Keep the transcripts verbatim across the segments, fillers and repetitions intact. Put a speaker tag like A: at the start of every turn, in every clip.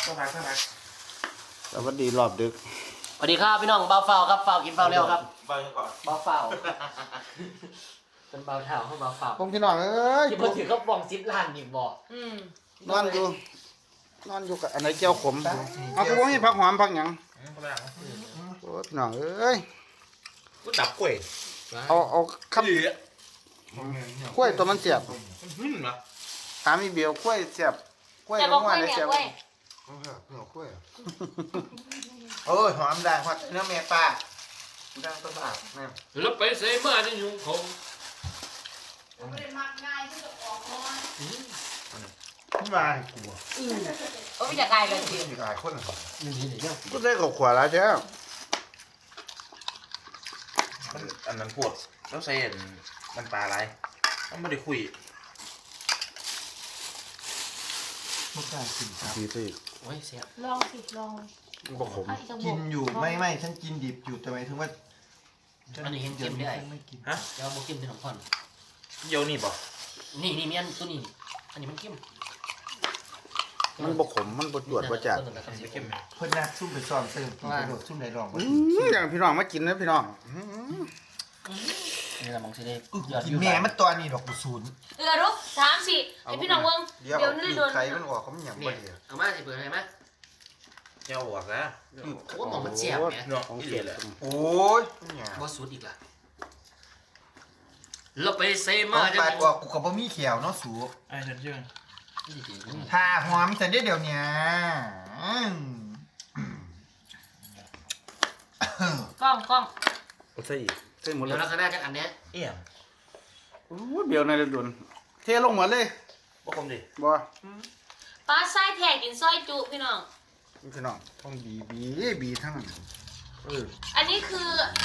A: ต้องพักต้องพัก
B: สวัสดีรอบดึก
C: สวัสดีครับพี่น้องเบาเฝ้าครับเฝ้ากินเฝ้าเร็วครับ
A: เบาก่อน
C: เบาเฝ้าเป็นเบาเท้าให้เบาเฝ้า
B: พงพี่น้องเอ้ย
C: ที่มาถือก็บองซิปล้านอีกบ่อืม
B: นอนอยู่นอนอยู่กับอันไหนเจียวขมเอากูให้ผักหอมผักหยังโอ้พี่น้องเอ้ย
A: กูดับกล้วย
B: เอาเอาขั้นกล้วยตัวมันเสียบ
A: หึ่มนะ
B: ถามอีเบียวกล้วยเสียบกล้วย
D: แต่
B: ล
D: บอก
B: ง
D: ว่า
B: มาเลย
D: เนี่ย
B: เสียบ
D: เว้ย
A: เหนียวกล้วยโอ้ยหอมได้หอมเนื้อแม่ปลาดังต้นปลาเนี่ย
C: แล้วไปเซมาที่ยุงเขา
D: ไม่ได้มักง่ายที่จะออกนอน
A: นี่มาให้กู
D: โอ้ยอยากไกลเลยจริง
A: มีหลายคน
C: นี่นี่นี่
B: ก็ได้กับขวาแล้วใช่ไหม
A: อันนั้นพวกแล้วใส่มันปลาอะไรต้องไม่ได้คุยไม่กล้ากินครับ
B: ดีสิ
C: โอ้ยเสีย
D: ลองสิลอง
B: บ่ขม
D: เอาอีกสักบ
E: กิ
D: วก
E: นอยู่ไม่ไม่ฉันกินดิบอยู่แต่หมายถึงว่า
C: อันนี้เห็นเค็มได้
E: ฉันไม่กิน
A: ฮะ
C: เดี๋ยวบุกิมเป็นของพ่อน
A: เดี๋ยวนี่บ่
C: นี่นี่มีอันตัวนี้อันนี้มันเค็ม
B: มันบ่ขมมันบ่จวดบ่จัด
A: จะเข้มไหม
E: เพื่อนนักซุ่มไปซ้อมเติมกินกระโดดซุ่มในรอง
B: อืมอย่างพี่น้องมากินนะพี่น้องอืม
C: นี่ละมองสิได้ยอด
E: กินแม่มันตัวนี้ดอกกุศล
D: เออลูกสามสี่ไอพี่น้องเวิง
E: เดี๋ยว
D: เดี๋ยวนี่โดน
E: ไข่มันออกเขาไม่หยั่ง
C: เนี่
E: บ่
C: ย
E: ดี
C: เอามาสิเปิดให้มั้ย
A: เจ้าออกแล้ว
C: โอ้มองมันเสียบเนี่ย
A: เนาะ
B: ของ
A: อี
B: เสี
A: เดี
B: ย
A: ย
B: บ
A: แหละ
E: โอ้ยไม่หยั่ง
C: บ่สุดอีกล่ะแล้วไปเซ
E: มา
C: มา
E: ปาดออกกูกับบ่มีเขียวเนาะสู
A: ไอ้ฉันเชื่อ
E: ทาหอมแต่เดี๋ยวเนี้ยอืม
D: กล้องกล้อง
B: เอาใส่อีกใส่หมดเล
C: เดี๋ย
B: ยว
C: เราคณะกันอันเนี้ย
A: เอี่ยม
B: โอ้ยเบียวในเดือนเทลงหมดเลย
A: บ่คมดิ
B: บ่
D: ปลาไส้แทกกินซอยจุพี่น้อง
B: พี่น้องต้องบีบีบีทั้งนั้นเออ
D: อันนี้คือ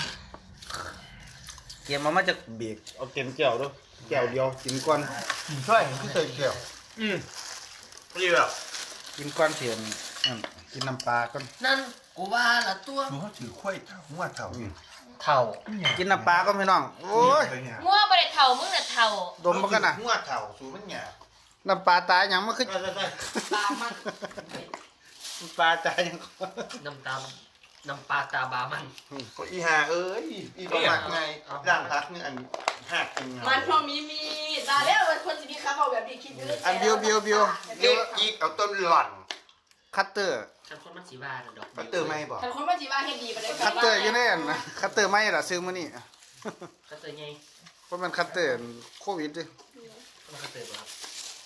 B: เกมมามาจากเบรกเอาเต็มแก้วด้วยแก้วเดียวกินก่อน
E: กินช่วยคือเตยเขียว
A: อืมดีแบบ
B: กินก้อนเสียนนั่นกินน้ำปลาก่อน
C: นั่นกูว่าละตัว
E: สูเขาถือข้วยเท่าหัวเท่า
C: เท่า
B: กินน้ำปลาก็พี่น้องโอ้ย
D: มั่วบริเท่ามึงน่ะเท่า
B: ดมมากันนะ
E: หัวเท่าสูมันหยาบ
B: น้ำปลาตายยังมาขึ้น
A: ใช่ใช่ใช่
D: ปลามัน
B: น้ำปลาตายยัง
C: น้ำตาน้ำปลาตาบามัน
E: ก็อีหาเอ้ยอีประมาทไงร่างพักนี่อันหักจริง
F: มันพอมีมีตาแล้วมันคนสิมีครับเอาแบบนี้คิดอยู่
B: อันเบียวเบียวเบียว
E: เล็กอีกเอาต้นหล่อน
B: คัตเตอร์
C: ฉันคนมันสีบาดอก
E: ปัตเตอร์ไม่บอก
F: แต่คนมาจีว่าเฮ็ดดีไปเลย
B: คัตเตอร์อยังไงนะคัตเตอร์ไม่ล่ะซื้อมานี่
C: ก็เตยไง
B: เพราะมันคัตเตอร์โควิดดิ
C: มันก็เตยครับ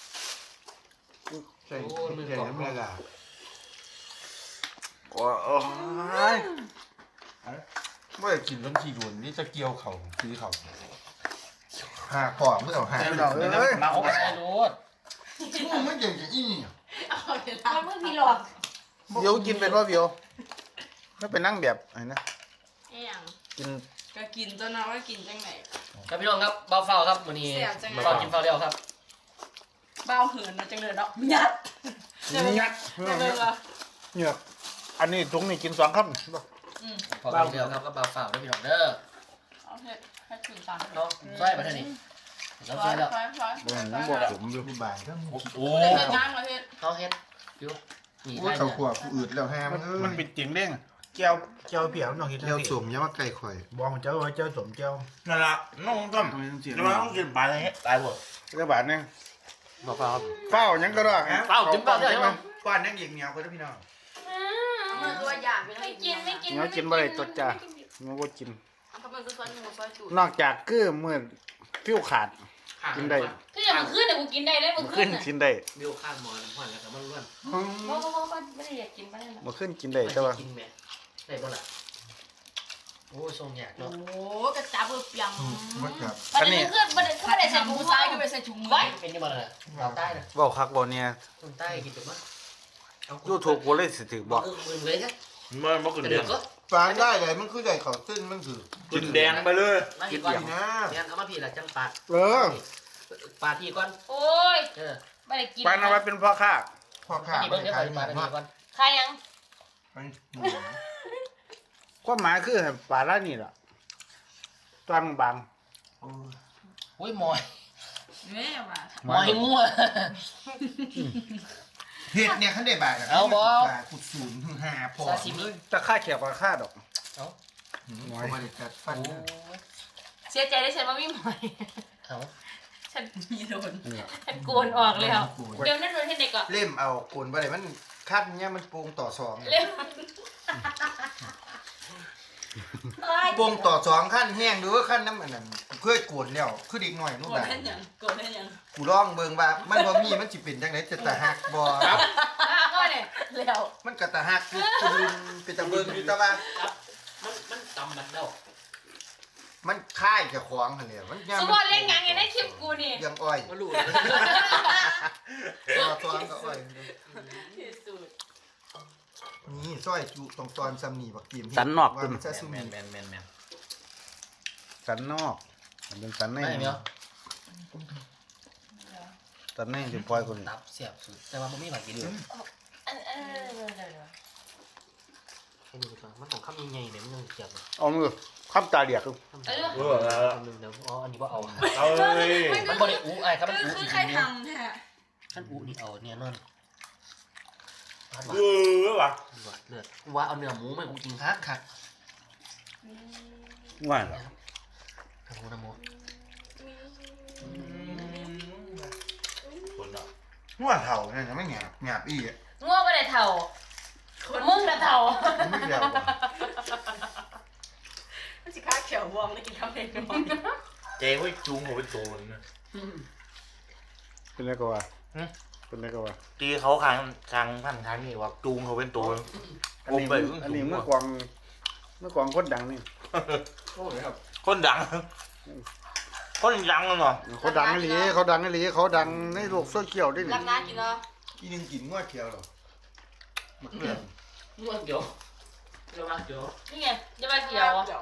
E: ใช่ใช่น้ำลายละ
B: โอ้ย
E: เมื่อกินต้นขี้โดนนี่จะเกี่ยวเขาซื้อเขาหาปอกเมื่อเอาหา
B: พี่น้องเอ้ย
C: มาเอาไปรถ
E: มึงไม่เก่งจะอี้
F: เอาเวลา
D: มันเพิ่งพี่หลอก
B: เบียวกินเป็นว่าเบียวไม่เป็นนั่งแบบไหนนะ
F: เอี่ยง
B: กิน
F: ก็กินตัวน้อยว่ากินจังไหน
C: ครับพี่น้องครับเบาเฝ้าครับวันนี้เฝ้ากินเฝ้าเร็วครับ
F: เบาเหินนะจังเลยเนาะยัด
B: งัด
F: จังเลยเหรอ
B: เหงือกอันนี้ถุงนี่กินสองคำ
C: พอกินเร็วครับก็เบาเฝ้าได้พี่น้องเด้อ
F: เอาเฮ็ดให้ถึงสาม
C: เนาะใช่มาเท่านี้เรา
F: ร้อ
C: ใช่
F: ย
C: แล้ว
F: ร้อยร้อย
B: บ่เห็นน้ำบอกผมอยู่
E: มีบ่ายก็มี
A: โอ้
F: เฮ็ดงานมาเฮ็ด
C: เขาเฮ็ดอยู่นี่
E: ว่า
C: ได้
E: เขา
C: เนี่ย
E: ขวบอืดแล้วแฮมัน
B: มันเป็นเจียงเด้ง
E: เจ้าเจ้าเปียวน้องเห็ดเจ้าสมยังว่าไก่ข่อยบอกเจ้าว่าเจ้าสมเจ้า
A: นั่นละน้องต้อม
B: ทำไมต้องเจียง
A: จะมาต้องกินปลาอะไรเงี้ยตายหมด
B: กระบาดเนี่ย
C: เบาเฝ้าครับ
B: เฝ้ายังก็ได้
C: เฝ้าจิ้มเฝ้าได้ไหม
E: ก้อนนั่งเหยียงเหนียวคนพี่น้อง
F: มันตัวอย่าง
D: ไม่กินไม่กิน
B: เนื้อกินบ่ได้ตัวจ้าเนื้อบ่กิน
F: เขาเป็นซอยหมูซอยจุด
B: นอกจากคือมือฟิวขาด กินได้
D: คืออย่างมันขึ้นแต่กูกินได้เลยมัน
B: มา
D: ขึ้
B: ขึ้
D: น
B: น
D: อ่ะ
B: กินได้
C: บิวข้างหมอนหอนแล้วก็มันล้วน
D: บ่บ่บ่บ่ไม่ได้อยากกินไม่ได้หรอก
B: มาขึ้นกินได้แต่ว่า
C: กินแม่ได้บ่ล่ะโอ้ทรงยาก
F: โอ้
C: เนาะ
F: โหกระจับเบอร์เปียง
E: มันกับ
D: ประเด็นคือประเด็นคือประเด็นใส่
F: ห
D: ถุ
F: มู
D: ง
F: ซ้า
D: ซ้าย ย
F: ก็
D: ก็
F: ไป
D: ไป
F: ใส่ถุงมือ
D: ไว้
C: เป็นยังไงล่ะเราใต้นะ
B: เว้าคักบ่เนี่ย
C: คนใต้กินจุดมั้ย
B: ยูทูบบ่เลยสิถือบอก
C: เออมือเลยครับ
A: มันบ่กิน
C: กระ
A: แด
C: เดือง กก็
E: ฟานได้เลยมันคือไก่เขาตื้นมันคือ
A: กินแดงไปเลย
C: มาพี่ก่อน
E: นะ
C: งานเอามาพี่ละจังปาด
B: เออ
C: ปาดพี่ก่อน
D: โอ้ย
C: เออ
D: ไม่ได้กิน
B: ปานเอาไว้เป็นพ่อค้า
E: พ่อข้า
C: พี่เบิ้งเดี๋ยวปาดปาดพี่ก่อน
D: ใครยัง
B: ความหมายคือให้ปลาละนี่ล่ะตอนบาง
C: อุ้ยมอย
F: แม่ว่ะ
C: มอยงัว
A: เห็ดเนี่ยเขาได้บาทะ
C: เอาบ่
A: บาทขุดศูนย์ถึงห้าพอ
C: ซาซิมิ
B: ตะค่าแขกปลาค่าดอก
C: เอ้า
A: หืมเขามาได้กัดฟัน
C: โอ้
A: นะ
C: ย
F: เสียใจได้ฉันว่าไม่หมอย
C: เอ้า
F: ฉันมีโดน
B: เนี่ย
F: ฉันโกนออกแล้วเดี๋ยวนั่นโดนที่ไหนก่อน
A: เล่มเอาโกนไปเลยมันคัดเนี่ยมันโปร่งต่อสอง
F: เร็ว
A: โปร่งต่อสองขั้นแห้งหรือว่าขั้นน้ำอันนั้นกูเคยโกนแล้วคือเด็กหน่อยนู่น
F: โกน
A: น่ะ
F: ได้ยังโกนได้ยัง
A: กูลองเบิ่งว่ามันบ่มีมันสิเป็นจังไดจะตะหักบ่
F: ก็เนี่ยแล้ว
A: มันก็ตะหักคือคือเป็นตะเบิ่งอยู่แต่ว่า
C: มันมันตำมันเด้า
A: มันคล้ายเจ้าของหั่นแหละมันยัง
F: สมมติเล่นยังไงในคลิปกูนี่
A: ยังอ้อย
C: บ่รู้
A: ต่อสองก็อ้อย
F: ที่สุด
A: นี่ซอยจุตรงตอนซ้ำนี่บักตีม
B: สันนอก
A: ว่า
B: เป็น
A: มันจะซุ่ม
C: แมนแมนแมนแมน
B: สันนอกมันเป็นสันใน
C: ไม่เนาะ
B: สันในจะปล่อยคน
C: ตับเสียบสุดแต่ว่าบ่มีผักกินเลย
F: อันเออเดี๋ยว
C: ให้ดูก่อนมันของข้ามใหญ่ๆเนี่ยมันยังเสียบเลย
B: เอามือข้ามตาเดียก
F: เออ
E: เออแล้ว
C: คำนึงเดี๋ยวอ๋ออันนี้ว่าเอา
E: เอาเลย
C: มันบ่ได้อู้ไอ้ครับมัน
F: คือ
C: อู้
F: คือ
C: อีก
F: ใคร
C: เนี่ย
F: ทำแท้
C: ขั้นอู้นี่เอาเนี่ยนอน
E: เออว่ะ
C: เลือดว่าเอาเนื้อหมูไม่อู้จริงคักคัก
B: ว่าเหรอ
C: ทำหมูนะหมู
E: คนละ
A: หัวเถ่าเนี่ยยังไม่หยาบหยาบอีอ่ะ
F: ง่วงไปเลยเถ่ามึงนะเถ่า
A: มันไม่เดียวว่ะ
F: มันสิค้าเขียววอมได้กินข้าวเองนอน
E: เจ๊ไว้จูงหัวเป็นโจรนะ
B: เป็นไรก็ว่าเป็นไรก็ว่า
E: ตีเขาคางคางพันคางนี่ว่าจูงเขาเป็นโจร
B: อันนี้อันนี้เมื่อกวางเมื่อกวางคนดังนี่
E: คนดัง คนดังเลยเนาะ
B: เขาดังไอ้หลีเขาดังไอ้หลีเขาดังในโลกโซเชียลได้หนิ
F: รักน้ากินเนาะ
A: อีนึงกินงวดเขียวหรอมันเกลือน
C: นวดเดี๋ยวเดี๋ยวมาเดี๋ยว
F: นี่ไงจะมาเขียว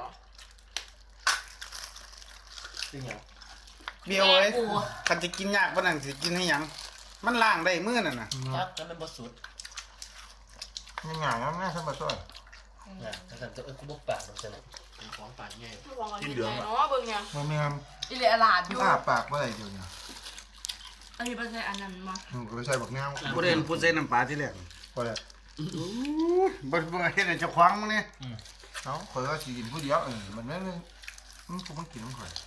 C: จริงเหรอ
B: เบียวเอ้ยคันจะกินยากปานนั้นสิกินให้หยังมันล้างได้มื้อนั่นน่ะ
C: จักแล้วมันบ่สุด
A: ยังไงแล้วแม่ทำมาช่วย
C: นะถ้าสั่นจะเอ้ยกูบ่ปากดอกจังเป็นของปากใหญ่
F: กินเหลืองเนาะเบิ่งยัง
A: มันไม่ท
F: อีเหลือลาดอยู่
A: ำอ้าปากเมื่อไหร่เดี๋ยวเนี่ย
F: อันนี้เป็นอันนั้นมา
A: มึงก็ไปใส่บักแนว
B: บ่ได้เห็นผู้ใส่น้ำปลาที่แรก
A: พอแล้ว
B: บ่บ่เฮ็ดให้เจ้าของมึงนี่
A: เนาะข่อยว่าสิกินผู้เดียวเออมันไม่เลยมันกูมันกินมันข่อย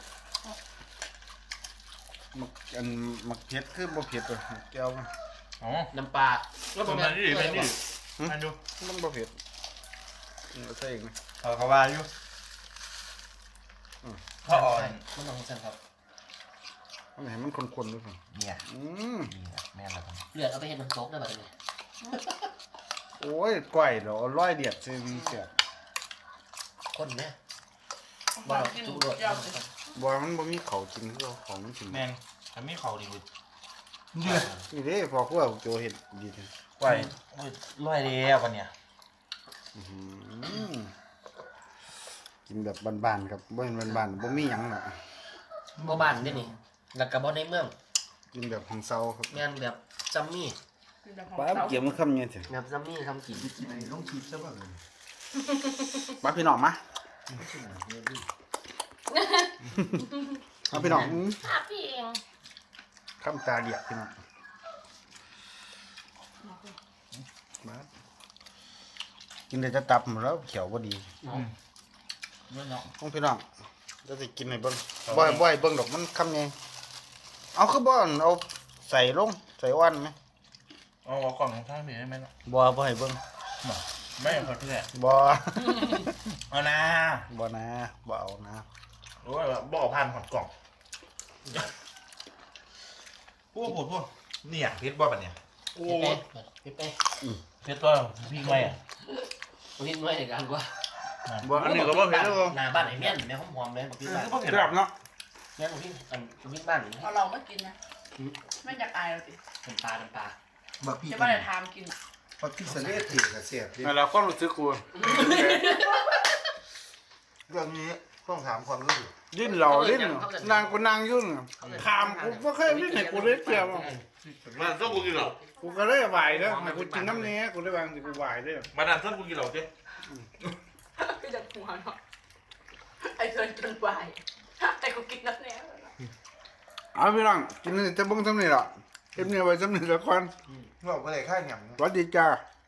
B: มักอันมักเผ็ดคือบ่เผ็ดตัวแก้วมัน
E: อ๋อ
C: น้ำปลาแล้ว
E: ตรง
C: แม่
E: นั้นนี่เป็นนี่อันดู
B: มันบ่เผ็ดเอาใส่อีกนะ
E: เขาเขาว่าอยู่เขาอ่อน
C: มันต้องสั่นครับ
B: มันให้มันข้นๆด้วยพุ่น
E: เนี่ย
B: อืม
E: แม่ละกัน
C: เลือดเอาไปเฮ็ดน้ำตกได้บัดนี้
B: โอ้ยก้อยดอกร้อยเดียดซื้อมีเสีย
C: คนแม่บ่จุรวด
B: บ่มันบ่มีข้าวกินคือของมันกิน
E: แม่งทำให้เขาดีกว่า
A: เดือด
B: นี่เด้พอครัวโจเฮ็ดดีแท้
E: ไหวร้อยเดียวกันเนี่ย
B: อื้อหือกินแบบบ้านๆครับบ่แม่นบ้านๆบ่มีหยังหรอก
C: บ่บ้านเด้นี่แล้วก็บ่ในเมือง
B: กินแบบของเซาครับ
C: แม่นแบบจัมมี่
B: ป้าเกี่ยวมันคำเนี่ยเถอะ
C: แบบจัมมี่ทำกิน
A: ไอ้ลงคลิปซะบ้างเลย
B: ป้าพี่น้องมาเอาพี่น้องอื้อ
F: อ่ะพี่เอง
B: คำตาเดียกพี่น้องมากินได้จะตับหมดแล้วเขียวบ่ดี
E: นั่นเนาะ
B: ของพี่น้องจะสิกินให้เบิ่งบ่ให้บ่ให้เบิ่งดอกมันคำใหญ่เอาคือบ่อนเอาใส่ลงใส่อ้วนไหม
E: เอาเอากล่องของท่านมีได้ไหมเนาะ
B: บ่บ่ให้เบิ่ง
E: ไม่เอาคนที่ไหน
B: บ่
E: เอานะ
B: บ่นะบ่เอานะ
E: โอ้ยบอกผ่านหอดกล่องพูดพูดพูดเนี่ยเพชรบ่ปะเนี่ยโอ้
C: เป๊ะเป๊ะเป๊ะ
E: เพชรว่าพี่ไม่อ่ะ
C: วิ่งด้วยในการกว่า
B: บ่อันนี้ก็บ่เผ็ดแล้วบ่
C: หน้าบ้านไอ้เมี่ยนแม่หอมๆเลยบอกพี่บ้าน
B: แซ่บเนาะ
C: แม่บอกพี่อันวิ่งบ้านนี่
F: เอาเราไม่กินนะไม่อยากอายเราสิ
C: เป็นปลาเป็นปลา
A: บักพี่
F: จะมาแต่ทามกิน
A: พอที่เสด็จเทกับเสียบดิ
B: แล้วก็รู้สึกกู
A: เรื่องนี้ต้องถามความรู้สึก
B: ดิ้นเหล่าดิ้นนางกูนางยุ่นถามกูบ่เคยดิ้นให้กูได้เจียว
E: มันต้องกูกินเหรอ
B: กูก็เลยไหวเด้อให้กูกินน้ำเนี้ยกูได้วางสิกูไหวเด้อ
E: มาดันต้องกูกินเหรอเจ๊
F: ก็จะหัวเนาะไอ้เกินจนไหวไอ้กูกินน้ำแน่
B: เอาพี่น้องกินจะเบิ่งทำนี่ล่ะเอ็มเนี่ยไว้สำนึกละคร
A: บอกว่าอะไรค่าหยำ
B: สวัสดีจ้า
A: ส